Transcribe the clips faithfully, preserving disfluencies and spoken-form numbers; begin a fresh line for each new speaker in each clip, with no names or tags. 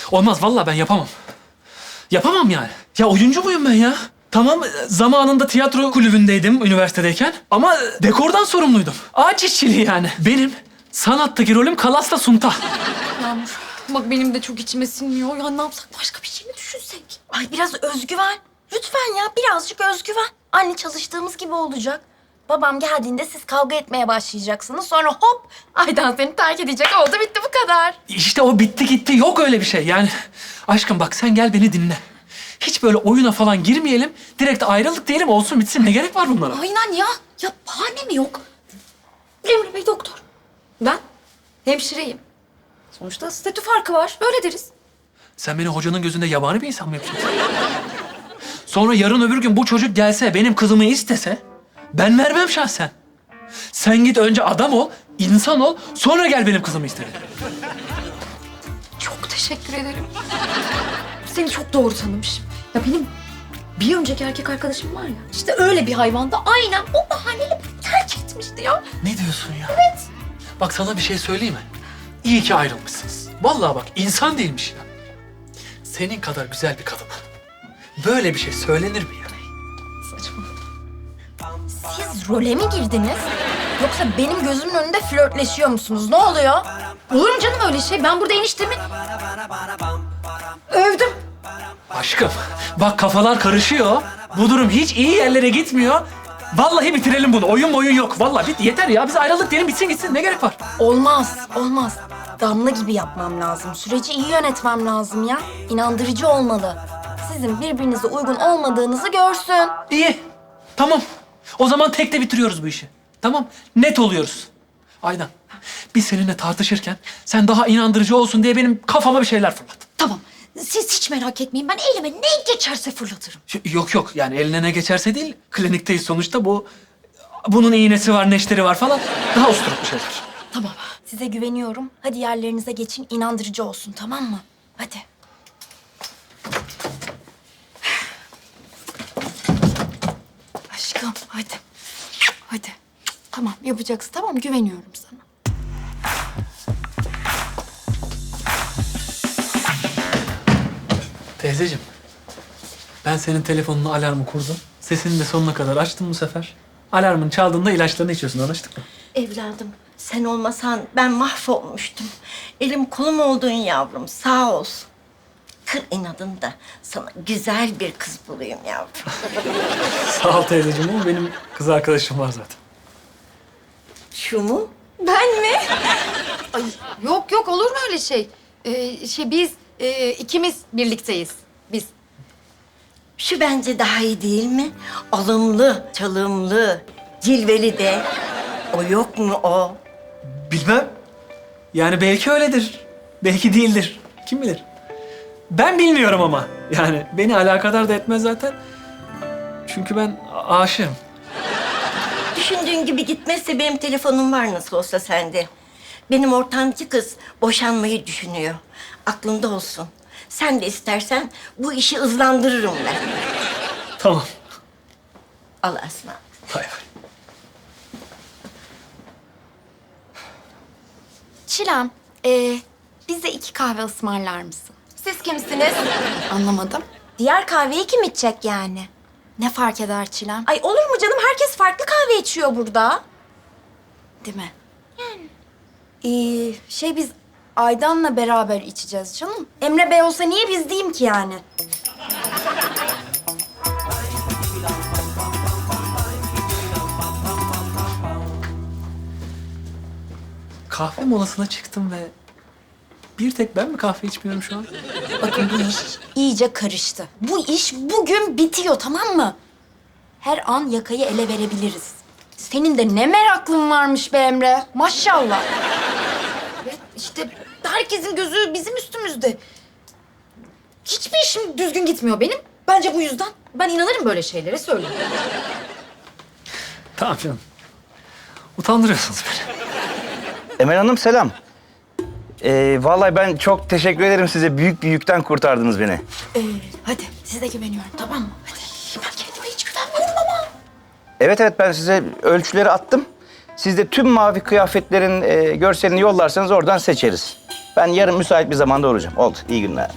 Olmaz vallahi ben yapamam. Yapamam yani. Ya oyuncu muyum ben ya? Tamam zamanında tiyatro kulübündeydim üniversitedeyken ama dekordan sorumluydum. Ağaç işçiliği yani. Benim sanattaki rolüm Kalas'la Sunta.
Yağmur, bak benim de çok içime sinmiyor. Ya ne yapsak, başka bir şey mi düşünsek?
Ay biraz özgüven. Lütfen ya birazcık özgüven. Anne çalıştığımız gibi olacak. Babam geldiğinde siz kavga etmeye başlayacaksınız. Sonra hop Aydan seni terk edecek. Oldu bitti bu kadar.
İşte o bitti gitti yok öyle bir şey yani. Aşkım bak sen gel beni dinle. Hiç böyle oyuna falan girmeyelim. Direkt ayrılık diyelim olsun bitsin. Ne gerek var bunlara?
Aynen ya. Ya bahane mi yok? Emre Bey doktor. Ben hemşireyim. Sonuçta statü farkı var. Öyle deriz.
Sen beni hocanın gözünde yabani bir insan mı yapacaksın? Sonra yarın öbür gün bu çocuk gelse, benim kızımı istese... ben vermem şahsen. Sen git önce adam ol, insan ol, sonra gel benim kızımı iste.
Çok teşekkür ederim. Seni çok doğru tanımışım. Ya benim bir önceki erkek arkadaşım var ya. İşte öyle bir hayvanda aynen o bahaneyle beni terk etmişti ya.
Ne diyorsun ya? Evet. Bak sana bir şey söyleyeyim mi? İyi ki ayrılmışsınız. Vallahi bak insan değilmiş ya. Senin kadar güzel bir kadına böyle bir şey söylenir mi ya?
Saçma.
Siz role mi girdiniz? Yoksa benim gözümün önünde flörtleşiyor musunuz? Ne oluyor?
Olur mu canım öyle şey? Ben burada eniştemi övdüm.
Aşkım bak kafalar karışıyor. Bu durum hiç iyi yerlere gitmiyor. Vallahi bitirelim bunu. Oyun oyun yok. Vallahi bit yeter ya. Biz ayrıldık diyelim bitsin gitsin. Ne gerek var?
Olmaz, olmaz. Damla gibi yapmam lazım. Süreci iyi yönetmem lazım ya. İnandırıcı olmalı. Sizin birbirinize uygun olmadığınızı görsün.
İyi. Tamam. O zaman tekte bitiriyoruz bu işi. Tamam. Net oluyoruz. Aydan. Biz seninle tartışırken sen daha inandırıcı olsun diye benim kafama bir şeyler fırlat.
Tamam. Siz hiç merak etmeyin. Ben elime ne geçerse fırlatırım.
Şu- Yok yok yani eline ne geçerse değil. Klinikteyiz sonuçta bu. Bunun iğnesi var, neşteri var falan. Daha usturuplu şeyler.
Tamam.
Size güveniyorum. Hadi yerlerinize geçin, inandırıcı olsun, tamam mı? Hadi.
Aşkım hadi. Hadi. Tamam yapacaksın. Tamam güveniyorum sana.
Teyzeciğim, ben senin telefonunu alarmı kurdum. Sesini de sonuna kadar açtım bu sefer. Alarmın çaldığında ilaçlarını içiyorsun, anlaştık mı?
Evladım, sen olmasan ben mahvolmuştum. Elim kolum oldun yavrum, sağ olsun. Kır inadını da sana güzel bir kız bulayım yavrum.
Sağ ol teyzeciğim ama benim kız arkadaşım var zaten.
Şu mu? Ben mi?
Ay, yok yok olur mu öyle şey? Ee, şey biz e, ikimiz birlikteyiz. Biz.
Şu bence daha iyi değil mi? Alımlı, çalımlı, cilveli de. O yok mu o?
Bilmem. Yani belki öyledir. Belki değildir. Kim bilir? Ben bilmiyorum ama. Yani beni alakadar da etmez zaten. Çünkü ben a- aşığım.
Düşündüğün gibi gitmezse benim telefonum var nasıl olsa sende. Benim ortancı kız boşanmayı düşünüyor. Aklında olsun. Sen de istersen bu işi hızlandırırım ben.
Tamam.
Allah'a ısmarladık.
Bay bay.
Çilem, ee, bize iki kahve ısmarlar mısın? Siz kimsiniz?
Anlamadım.
Diğer kahveyi kim içecek yani? Ne fark eder Çilem? Ay olur mu canım? Herkes farklı kahve içiyor burada.
Değil mi?
Ee, şey biz Aydan'la beraber içeceğiz canım. Emre Bey olsa niye biz diyeyim ki yani?
Kahve molasına çıktım ve bir tek ben mi kahve içmiyorum şu an?
Bakın bu iş iyice karıştı. Bu iş bugün bitiyor, tamam mı? Her an yakayı ele verebiliriz. Senin de ne meraklın varmış be Emre. Maşallah.
Evet işte herkesin gözü bizim üstümüzde. Hiçbir işim düzgün gitmiyor benim. Bence bu yüzden. Ben inanırım böyle şeylere söyleyeyim.
Tamam canım. Utandırıyorsunuz beni.
Emel Hanım selam. Ee, vallahi ben çok teşekkür ederim size. Büyük bir yükten kurtardınız beni.
Ee, hadi size güveniyorum, tamam mı? Hadi. Ben kendime hiç güvenmiyorum ama.
Evet evet ben size ölçüleri attım. Siz de tüm mavi kıyafetlerin e, görselini yollarsanız oradan seçeriz. Ben yarın müsait bir zamanda olacağım. Oldu. İyi günler.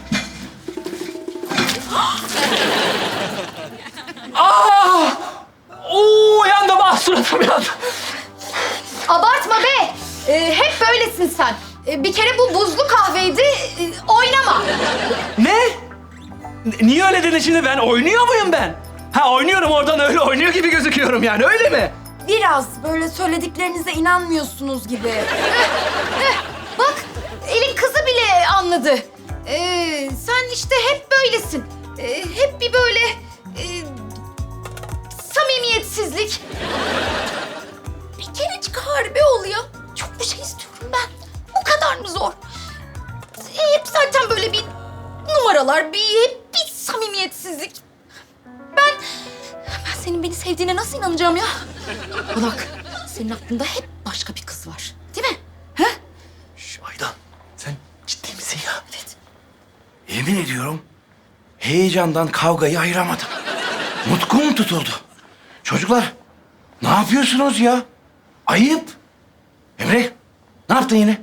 Oo yandım, ah suratım yandı.
Abartma be. Ee, hep böylesin sen. Ee, bir kere bu buzlu kahveydi. Ee, oynama.
Ne? N- Niye öyle dedin şimdi? Ben oynuyor muyum ben? Ha oynuyorum, oradan öyle oynuyor gibi gözüküyorum yani, öyle mi?
Biraz böyle söylediklerinize inanmıyorsunuz gibi.
Bak elin kızı bile anladı. Ee, sen işte hep böylesin. Ee, hep bir böyle e, samimiyetsizlik.
Bir kerecik harbi ol ya. Çok bir şey istiyorum ben. O kadar mı zor?
Hep zaten böyle bir numaralar, bir hep bir samimiyetsizlik. Ben ben senin beni sevdiğine nasıl inanacağım ya? Bak, senin aklında hep başka bir kız var, değil mi? He?
Şş, Aydan, sen ciddi misin ya?
Evet.
Yemin ediyorum heyecandan kavgayı ayıramadım. Nutkum tutuldu. Çocuklar ne yapıyorsunuz ya? Ayıp. Emre ne yaptın yine?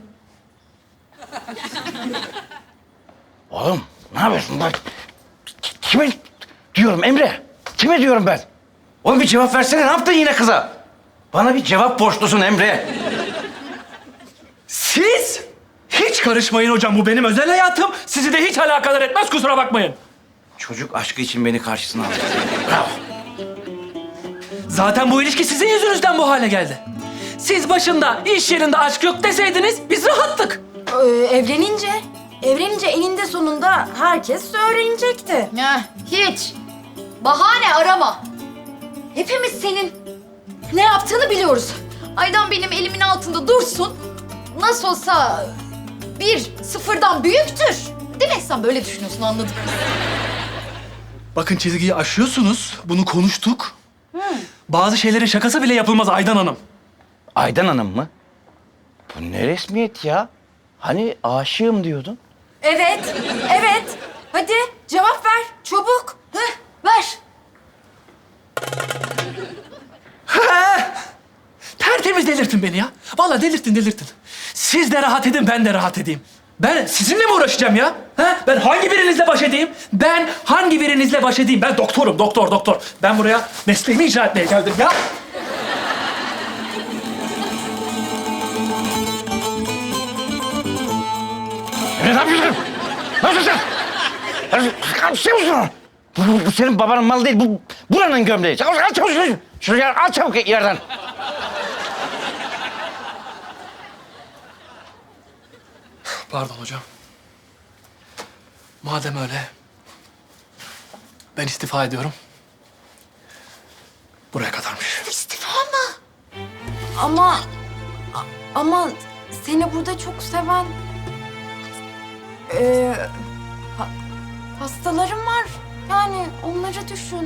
Oğlum ne yapıyorsun bak? Kime diyorum Emre? Kime diyorum ben? Oğlum bir cevap versene, ne yaptın yine kıza? Bana bir cevap borçlusun Emre.
Siz hiç karışmayın hocam, bu benim özel hayatım. Sizi de hiç alakadar etmez, kusura bakmayın.
Çocuk aşkı için beni karşısına aldı. Bravo.
Zaten bu ilişki sizin yüzünüzden bu hale geldi. Siz başında iş yerinde aşk yok deseydiniz biz rahattık.
Ee, evlenince, evlenince eninde sonunda herkes öğrenecekti.
Heh, hiç. Bahane arama. Hepimiz senin ne yaptığını biliyoruz. Aydan benim elimin altında dursun. Nasıl olsa bir sıfırdan büyüktür. Değil mi? Sen böyle düşünüyorsun, anladım.
Bakın çizgiyi aşıyorsunuz, bunu konuştuk. Bazı şeylerin şakası bile yapılmaz Aydan Hanım.
Aydan Hanım mı? Bu ne resmiyet ya? Hani aşığım diyordun?
Evet, evet. Hadi cevap ver, çabuk.
Heh, ver.
Tertemiz delirtin beni ya. Vallahi delirtin delirtin. Siz de rahat edin, ben de rahat edeyim. Ben sizinle mi uğraşacağım ya? Ha? Ben hangi birinizle baş edeyim? Ben hangi birinizle baş edeyim? Ben doktorum, doktor, doktor. Ben buraya mesleğimi icra etmeye geldim ya.
Emre ne yapıyorsun? Ne yapıyorsun sen? Ya, Kaçıyor musun? Bu, bu, bu senin babanın malı değil, bu buranın gömleği. Çabuk al çabuk şunu. Şuraya al çabuk yerden.
Pardon hocam. Madem öyle, ben istifa ediyorum. Buraya kadarmış.
İstifa mı? Ama, a- ama seni burada çok seven... Ee, ha- hastalarım var. Yani onları düşün.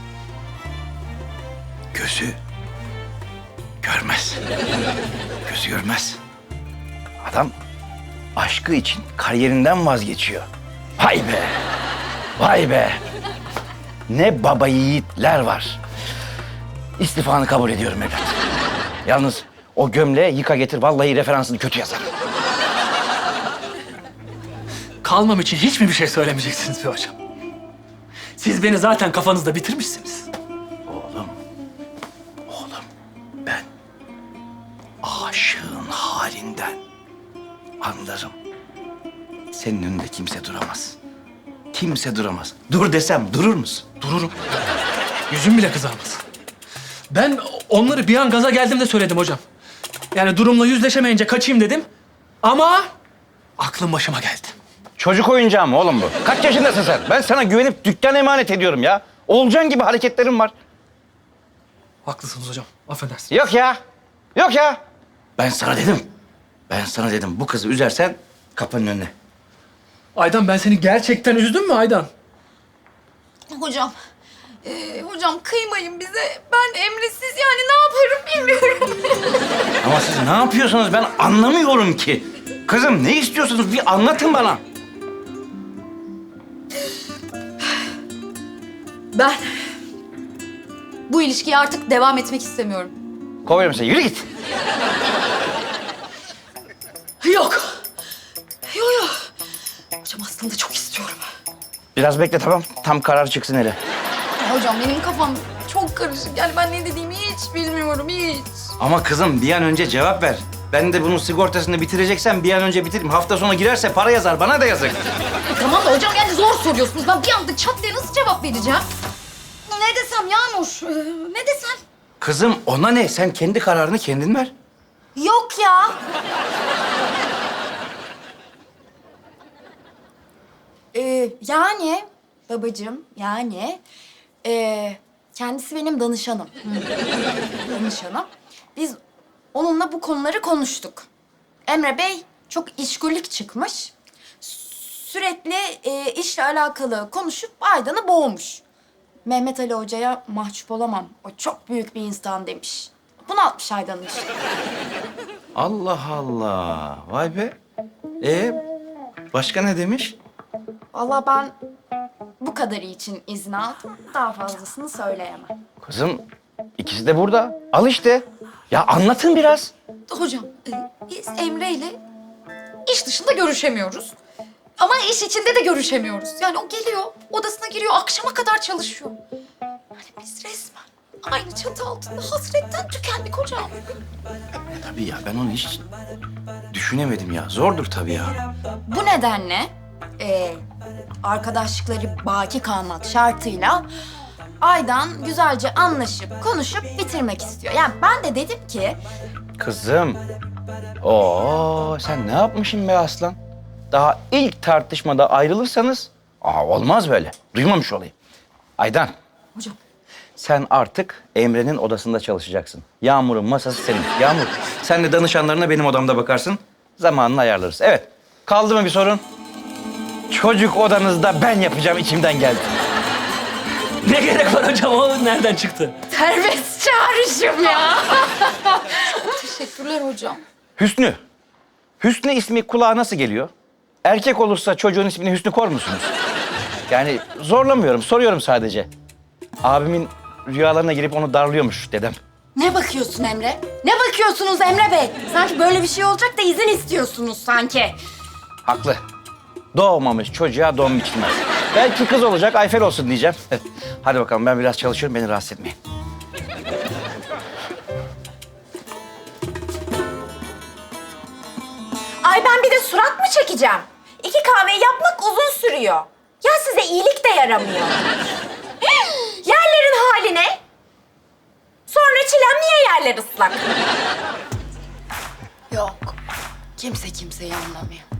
Gözü görmez. Gözü görmez. Adam aşkı için kariyerinden vazgeçiyor. Vay be! Vay be! Ne baba yiğitler var. İstifanı kabul ediyorum evlat. Yalnız o gömleği yıka getir. Vallahi referansını kötü yazar.
Kalmam için hiç mi bir şey söylemeyeceksiniz be hocam? Siz beni zaten kafanızda bitirmişsiniz.
Oğlum, oğlum ben aşığın halinden anlarım. Senin önünde kimse duramaz. Kimse duramaz. Dur desem durur musun?
Dururum. Yüzüm bile kızarmaz. Ben onları bir an gaza geldim de söyledim hocam. Yani durumla yüzleşemeyince kaçayım dedim. Ama aklım başıma geldi.
Çocuk oyuncağı mı oğlum bu? Kaç yaşındasın sen? Ben sana güvenip dükkan emanet ediyorum ya. Olcan gibi hareketlerim var.
Haklısınız hocam. Affedersiniz.
Yok ya. Yok ya. Ben sana dedim. Ben sana dedim bu kızı üzersen kapının önüne.
Aydan, ben seni gerçekten üzdüm mü Aydan?
Hocam, e, hocam kıymayın bize. Ben Emre'siz yani ne yaparım bilmiyorum.
Ama siz ne yapıyorsunuz ben anlamıyorum ki. Kızım ne istiyorsunuz bir anlatın bana.
Ben bu ilişkiye artık devam etmek istemiyorum.
Kovuyorum seni. Yürü git.
Yok. Yok yok. Hocam aslında çok istiyorum.
Biraz bekle tamam. Tam karar çıksın hele.
Ya hocam benim kafam çok karışık. Yani ben ne dediğimi hiç bilmiyorum hiç.
Ama kızım bir an önce cevap ver. Ben de bunun sigortasını bitireceksem bir an önce bitireyim. Hafta sonu girerse para yazar. Bana da yazık.
E, tamam da hocam yani zor soruyorsunuz. Ben bir anda çat diye nasıl cevap vereceğim? Ne desem Yağmur? Ee, ne desem?
Kızım ona ne? Sen kendi kararını kendin ver.
Yok ya. Ee, yani babacığım yani ee, kendisi benim danışanım. Danışanım. Biz onunla bu konuları konuştuk. Emre Bey çok işgüllük çıkmış. Sürekli ee, işle alakalı konuşup Aydan'ı boğmuş. Mehmet Ali Hoca'ya mahcup olamam. O çok büyük bir insan demiş. Bunaltmış Aydan'ı işte.
Allah Allah. Vay be. Ee, başka ne demiş?
Vallahi ben bu kadarı için izin aldım. Daha fazlasını söyleyemem.
Kızım ikisi de burada. Al işte. Ya anlatın biraz.
Hocam e, biz Emre ile iş dışında görüşemiyoruz. Ama iş içinde de görüşemiyoruz. Yani o geliyor, odasına giriyor, akşama kadar çalışıyor. Hani biz resmen aynı çatı altında hasretten tükendik hocam.
Tabii ya ben onu hiç düşünemedim ya. Zordur tabii ya.
Bu nedenle e, arkadaşlıkları baki kalmak şartıyla Aydan güzelce anlaşıp konuşup bitirmek istiyor. Yani ben de dedim ki
Kızım. Oo sen ne yapmışsın be aslan? Daha ilk tartışmada ayrılırsanız aa, olmaz böyle. Duymamış olayım. Aydan.
Hocam.
Sen artık Emre'nin odasında çalışacaksın. Yağmur'un masası senin. Yağmur sen de danışanlarına benim odamda bakarsın. Zamanını ayarlarız. Evet. Kaldı mı bir sorun? Çocuk odanızda ben yapacağım içimden geldi.
Ne gerek var hocam? O nereden çıktı?
serbest çağrışım ya.
Teşekkürler hocam.
Hüsnü. Hüsnü ismi kulağa nasıl geliyor? Erkek olursa çocuğun ismini Hüsnü koyar musunuz? Yani zorlamıyorum, soruyorum sadece. Abimin rüyalarına girip onu darlıyormuş dedem.
Ne bakıyorsun Emre? Ne bakıyorsunuz Emre Bey? Sanki böyle bir şey olacak da izin istiyorsunuz sanki.
Haklı. Doğmamış çocuğa don biçilmez. Belki kız olacak, Ayfer olsun diyeceğim. Hadi bakalım ben biraz çalışıyorum, beni rahatsız etmeyin.
Ay ben bir de surat mı çekeceğim? İki kahveyi yapmak uzun sürüyor. Ya size iyilik de yaramıyor. Yerlerin hali ne? Sonra çilem niye yerler ıslak?
Yok. Kimse kimseyi anlamıyor.